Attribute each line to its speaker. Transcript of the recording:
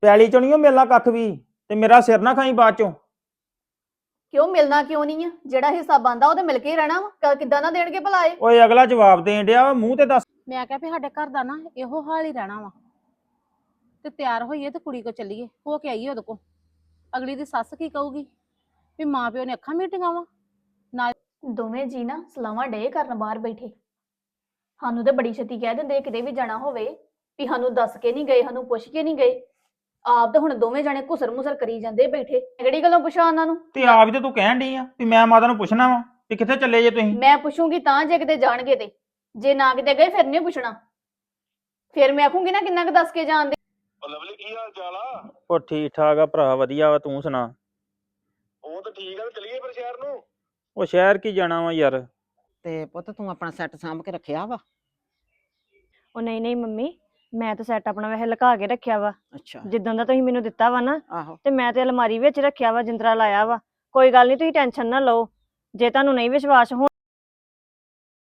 Speaker 1: ਪੈਲੀ ਚੋਂ ਨਹੀਂ ਮਿਲਣਾ ਕੱਖ ਵੀ, ਤੇ ਮੇਰਾ ਸਿਰ ਨਾ ਖਾਈ ਬਾਅਦ ਚੋਂ।
Speaker 2: ਕਿਉਂ ਮਿਲਣਾ ਕਿਉਂ ਨਹੀਂ ਆ? ਜਿਹੜਾ ਹਿੱਸਾ ਬਣਦਾ ਉਹ ਤੇ ਮਿਲ ਕੇ ਹੀ ਰਹਿਣਾ ਵਾ। ਕਿੱਦਾਂ ਨਾ ਦੇਣਗੇ ਭਲਾ ਇਹ?
Speaker 1: ਓਏ ਅਗਲਾ ਜਵਾਬ ਦੇਣ ਡਿਆ ਵਾ, ਮੂੰਹ ਤੇ ਦੱਸ।
Speaker 3: ਮੈਂ ਕਿਹਾ ਵੀ ਸਾਡੇ ਘਰ ਦਾ ਨਾ ਇਹੋ ਹਾਲ ਹੀ ਰਹਿਣਾ ਵਾ, ਤੇ ਤਿਆਰ ਹੋਈਏ ਤੇ ਕੁੜੀ ਕੋ ਚੱਲੀਏ, ਹੋ ਕੇ ਆਈਏ ਉਹਦੇ ਕੋ। ਅਗਲੀ ਦੀ ਸੱਸ ਕੀ ਕਹੂਗੀ ਵੀ ਮਾਂ ਪਿਓ ਨੇ ਅੱਖਾਂ ਮੀਟੀਆਂ ਵਾ।
Speaker 2: ਦੋਵੇਂ ਜੀ ਨਾ ਸਲਾਵਾਂ ਡੇ ਕਰਨ ਬਾਹਰ ਬੈਠੇ। ਸਾਨੂੰ ਤੇ ਬੜੀ ਛੇਤੀ ਕਹਿ ਦਿੰਦੇ ਕਿਤੇ ਵੀ ਜਾਣਾ ਹੋਵੇ ਵੀ ਸਾਨੂੰ ਦੱਸ ਕੇ ਨਹੀਂ ਗਏ, ਸਾਨੂੰ ਪੁੱਛ ਕੇ ਨਹੀਂ ਗਏ। ਆਪ ਤਾਂ ਹੁਣ ਦੋਵੇਂ ਜਾਣੇ ਘੁਸਰ ਮੁਸਰ ਕਰੀ ਜਾਂਦੇ ਬੈਠੇ। ਕਿਹੜੀ ਗੱਲੋਂ ਪੁੱਛਾਂ ਉਹਨਾਂ ਨੂੰ?
Speaker 1: ਤੇ ਆਪ ਹੀ ਤੇ ਤੂੰ ਕਹਿਣ ਡਈ ਆ ਵੀ ਮੈਂ ਮਾਤਾ ਨੂੰ ਪੁੱਛਣਾ ਵਾ ਵੀ ਕਿੱਥੇ ਚੱਲੇ ਜੇ ਤੁਸੀਂ।
Speaker 2: ਮੈਂ ਪੁੱਛੂੰਗੀ ਤਾਂ ਜੇ ਕਿਤੇ ਜਾਣਗੇ ਤੇ, ਜੇ ਨਾ ਕਿਤੇ ਗਏ ਫਿਰ ਨਹੀਂ ਪੁੱਛਣਾ। ਫਿਰ ਮੈਂ ਆਖੂੰਗੀ ਨਾ ਕਿੰਨਾ ਕੁ ਦੱਸ ਕੇ ਜਾਣਦੇ।
Speaker 4: ਲਵਲੀ ਕੀ ਹਾਲ ਚਾਲ ਆ?
Speaker 1: ਉਹ ਠੀਕ ਠਾਕ ਆ ਭਰਾ, ਵਧੀਆ ਵਾ, ਤੂੰ ਸੁਣਾ।
Speaker 4: ਉਹ ਤਾਂ ਠੀਕ ਆ, ਤੇ ਚਲੀਏ ਫਿਰ ਸ਼ਹਿਰ ਨੂੰ।
Speaker 1: ਉਹ ਸ਼ਹਿਰ ਕੀ ਜਾਣਾ ਵਾ ਯਾਰ।
Speaker 5: ਤੇ ਪੁੱਤ ਤੂੰ ਆਪਣਾ ਸੈੱਟ ਸਾਂਭ ਕੇ ਰੱਖਿਆ ਵਾ?
Speaker 6: ਉਹ ਨਹੀਂ ਨਹੀਂ ਮੰਮੀ, ਮੈਂ ਤਾਂ ਸੈੱਟ ਆਪਣਾ ਵੈਸੇ ਲੁਕਾ ਕੇ ਰੱਖਿਆ ਵਾ।
Speaker 5: ਅੱਛਾ।
Speaker 6: ਜਿੱਦਾਂ ਦਾ ਤੁਸੀਂ ਮੈਨੂੰ ਦਿੱਤਾ ਵਾ ਨਾ,
Speaker 5: ਆਹੋ।
Speaker 6: ਤੇ ਮੈਂ ਤੇ ਅਲਮਾਰੀ ਵਿੱਚ ਰੱਖਿਆ ਵਾ, ਜਿੰਦਰਾ ਲਾਇਆ ਵਾ। ਕੋਈ ਗੱਲ ਨਹੀਂ, ਤੁਸੀਂ ਟੈਨਸ਼ਨ ਨਾ ਲਓ। ਜੇ ਤੁਹਾਨੂੰ ਨਹੀਂ ਵਿਸ਼ਵਾਸ ਹੋ